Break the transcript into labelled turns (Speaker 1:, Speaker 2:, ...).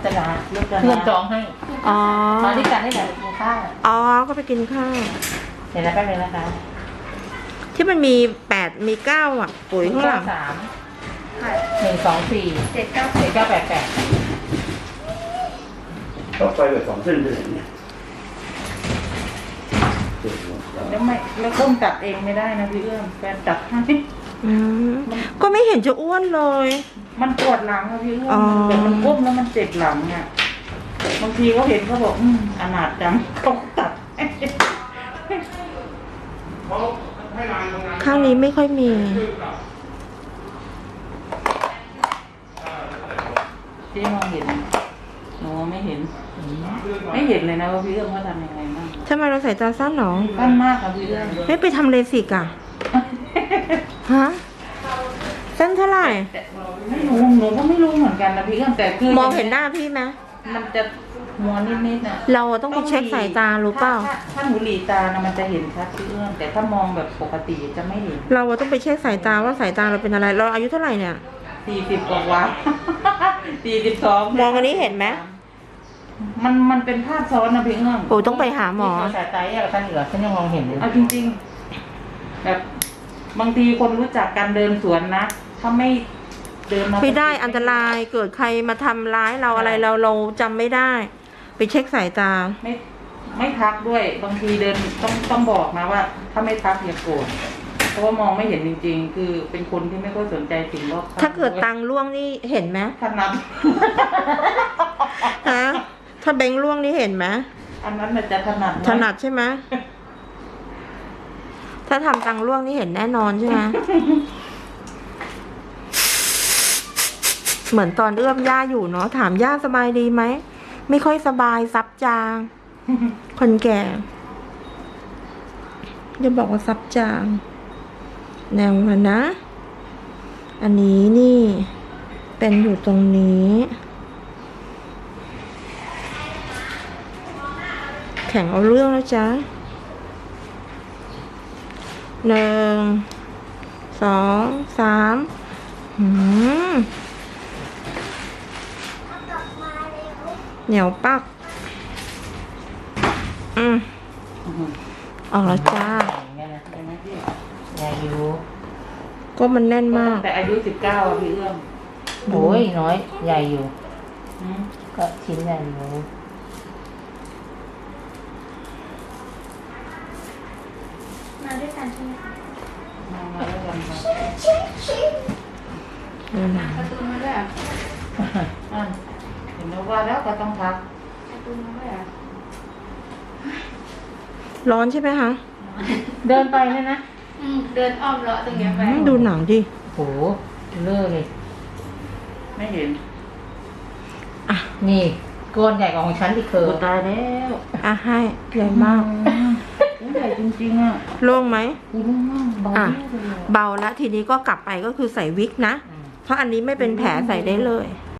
Speaker 1: จนาเพื่อนจองให้
Speaker 2: อ๋อ
Speaker 1: มาด้วยกันได้ไหนกินข้าว
Speaker 2: อ๋อก็ไปกินข้าว
Speaker 1: เดี๋ยวนะแป๊บนึงนะคะ
Speaker 2: ที่มันมี8มี9อ่ะปุ๋ยข้างหลัง
Speaker 1: 3 1 2 4 7 9 8 8
Speaker 3: ต่อไปเลย2 เส้นเลยเนี่ย
Speaker 1: แล้วต้มตัดเองไม่ได้นะพี่เอื้อมแฟนตัดให้
Speaker 2: ก็ไม่เห็นจะอ้วนเลย
Speaker 1: มันปวดหลังอะพี่เอื้อมแต่มันก้มแล้วมันเจ็บหลังเนี่ยบางทีเขาเห็นเขาบอกอนาถจังเขาตัด
Speaker 2: ข้างนี้ไม่ค่อยมี
Speaker 1: ที่มองเห็นหนูไม่เห็นเลยนะว่าพี่เอื้อมเขาทำยังไงบ้าง
Speaker 2: ทำไมเราใส่ตาสั้นหรอ
Speaker 1: สั้นมากค่ะพี่เอื้อม
Speaker 2: ไม่ไปทำเลสิกอะฮะสั้นเท่าไหร่
Speaker 1: หนูก็ไม่รู้เหมือนกันนะพี่เอื้อมแต่คือ
Speaker 2: มองเห็นหน้าพี่ไหม
Speaker 1: มันจะมัวนิดๆน่ะ
Speaker 2: เราต้องไปเช็คสายตารู้เปล่า
Speaker 1: ถ้าหนูหลีตานะมันจะเห็นชัดพี่เอื้อมแต่ถ้ามองแบบปกติจะไม่เห็น
Speaker 2: เราต้องไปเช็คสายตาว่าสายตาเราเป็นอะไรเราอายุเท่าไหร่เนี่ย
Speaker 1: 40 กว่า42
Speaker 2: มองอันนี้เห็นไหม
Speaker 1: มันเป็นภาพซ้อนนะพี่เอื้อม
Speaker 2: โอ้ต้องไปหาหมอ
Speaker 1: สายตาอะไรกันเหลือฉันยังมองเห็นเลยเอาจริงๆแบบบางทีคนรู้จักกันเดินสวนนะถ้าไม่เดินมา
Speaker 2: ไม่ได้อันตรายเกิดใครมาทำร้ายเราอะไรเราจำไม่ได้ไปเช็คสายตา
Speaker 1: ไม่ทักด้วยบางทีเดินต้องบอกนะว่าถ้าไม่ทักอย่าโกรธเพราะว่ามองไม่เห็นจริงๆคือเป็นคนที่ไม่ค่อยสนใจสิ่งรอบข้าง
Speaker 2: ถ้าเกิดตังล่วงนี่เห็นไหม
Speaker 1: ถนัด
Speaker 2: ฮะถ้าแบงค์ล่วงนี่เห็นไหม
Speaker 1: อันนั้นมันจะถ
Speaker 2: นัดใช่ไหมถ้าทำตังล่วงนี่เห็นแน่นอนใช่ไหมเหมือนตอนเอื้อมย่าอยู่เนาะถามย่าสบายดีไหมไม่ค่อยสบายซับจางคนแก่จะบอกว่าซับจางแนวมันนะอันนี้นี่เป็นอยู่ตรงนี้แข่งเอาเรื่องแล้วจ๊ะ1 2 3เหนียวปักออกแล้วจ้า
Speaker 1: ใหญ่อยู่
Speaker 2: ก็มันแน่นมาก
Speaker 1: แต่อายุ19อ่ะพี่เอื้อม
Speaker 2: โอ้ยน้อยใหญ่อยู่
Speaker 1: ก็ชิ้นใหญ่อยู่
Speaker 4: มาด้วยกันใช่ไหมคะ
Speaker 1: มาด้วยกันค่ะ
Speaker 4: การ์ตูนมาด้วย
Speaker 1: เห็นแล้วว่าแล้วก็ต้องพัก
Speaker 4: การ์ตูนมาด้วย
Speaker 2: ร้อนใช่ไหมคะ
Speaker 1: เดินไปเลยนะ
Speaker 4: เดินอ้อมเลาะตรงนี้ไป
Speaker 2: ดูหนังดิ
Speaker 1: โหเลิกเลยไม่เห็นนี่ก้อนใหญ่กว่าของฉันที่เคยตายแล้ว
Speaker 2: ให้ใหญ่มาก
Speaker 1: ใหญ่จริงๆอ่ะ
Speaker 2: โล่งไหม
Speaker 1: โล่งมาก
Speaker 2: เบาแล้วทีนี้ก็กลับไปก็คือใส่วิกนะเพราะอันนี้ไม่เป็นแผลใส่ได้เลย